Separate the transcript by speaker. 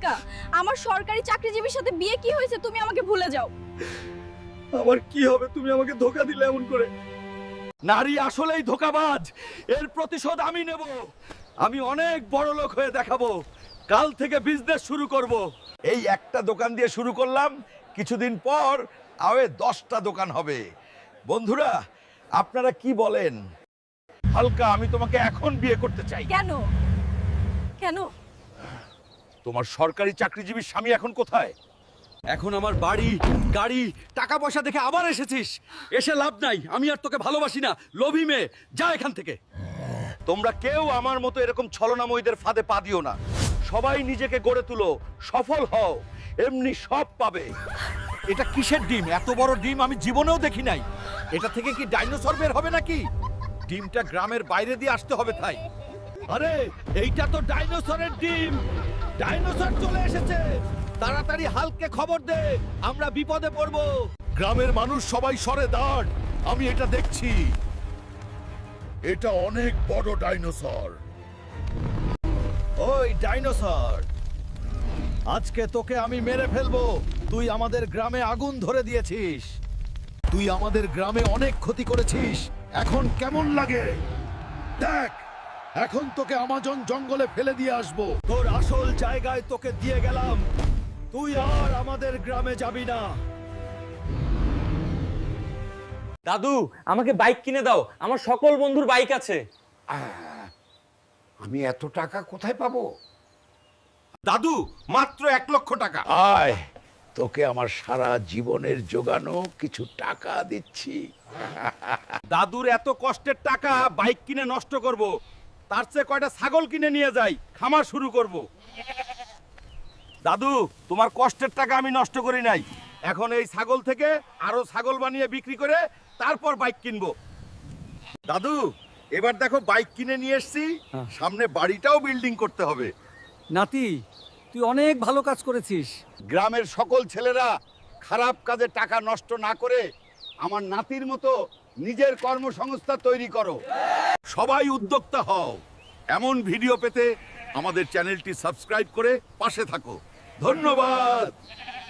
Speaker 1: হালকা, আমার সরকারি চাকরিজীবীর সাথে বিয়ে কি হয়েছে তুমি আমাকে ভুলে যাও।
Speaker 2: আবার কি হবে তুমি আমাকে ধোকা দিলে এমন করে? নারী আসলেই ধোকাবাজ, এর প্রতিশোধ আমি নেব। আমি অনেক বড় লোক হয়ে দেখাবো। কাল থেকে বিজনেস শুরু করব। এই একটা দোকান দিয়ে শুরু করলাম, কিছুদিন পর আরে 10টা দোকান হবে। বন্ধুরা আপনারা কি বলেন? হালকা, আমি তোমাকে এখন বিয়ে করতে চাই।
Speaker 1: কেন কেন?
Speaker 2: তোমার সরকারি চাকরিজীবী স্বামী এখন কোথায়? এখন আমার বাড়ি, গাড়ি, টাকা পয়সা দেখে আবার এসেছিস। এসে লাভ নাই, আমি আর তোকে ভালোবাসি না। লোভী মেয়ে, যা এখান থেকে। তোমরা কেউ আমার মতো এরকম ছলনাময়ীদের ফাঁদে পা দিও না। সবাই নিজেকে গড়ে তুলো, সফল হও, এমনি সব পাবে। এটা কিসের ডিম? এত বড় ডিম আমি জীবনেও দেখি নাই। এটা থেকে কি ডাইনোসর বের হবে নাকি? ডিমটা গ্রামের বাইরে দিয়ে আসতে হবে তাই। আরে এইটা তো ডাইনোসরের ডিম। ডাইনোসর চলে এসেছে। তাড়াতাড়ি হালকে খবর দে, আমরা বিপদে পড়ব। গ্রামের মানুষ সবাই সরে দাঁড়, আমি এটা দেখছি।
Speaker 3: এটা অনেক বড় ডাইনোসর।
Speaker 2: ওই ডাইনোসর, আজকে তোকে আমি মেরে ফেলবো। তুই আমাদের গ্রামে আগুন ধরে দিয়েছিস। তুই আমাদের গ্রামে অনেক ক্ষতি করেছিস। এখন কেমন লাগে দেখ। এখন তোকে আমাজন জঙ্গলে ফেলে দিয়ে আসবো। তোর আসল জায়গায় তোকে দিয়ে গেলাম। তুই আর আমাদের গ্রামে যাবি না।
Speaker 4: দাদু, আমাকে বাইক কিনে দাও। আমার সকল বন্ধুর বাইক আছে।
Speaker 3: আমি এত টাকা কোথায় পাবো?
Speaker 2: দাদু, মাত্র 1 লক্ষ টাকা।
Speaker 3: আয়, তোকে আমার সারা জীবনের জোগানো কিছু টাকা দিচ্ছি।
Speaker 2: দাদুর এত কষ্টের টাকা বাইক কিনে নষ্ট করব, তার চেয়ে কয়টা ছাগল কিনে নিয়ে যাই, খামার শুরু করব। দাদু, তোমার কষ্টের টাকা আমি নষ্ট করি নাই। এখন এই ছাগল থেকে আরো ছাগল বানিয়ে বিক্রি করে তারপর বাইক কিনবো। দাদু, এবার দেখো বাইক কিনে নিয়ে এসেছি, সামনে বাড়িটাও বিল্ডিং করতে হবে।
Speaker 5: নাতি, তুই অনেক ভালো কাজ করেছিস।
Speaker 2: গ্রামের সকল ছেলেরা খারাপ কাজে টাকা নষ্ট না করে আমার নাতির মতো নিজের কর্মসংস্থান তৈরি করো। সবাই উদ্যোক্তা হও। এমন ভিডিও পেতে আমাদের চ্যানেলটি সাবস্ক্রাইব করে পাশে থাকো। ধন্যবাদ।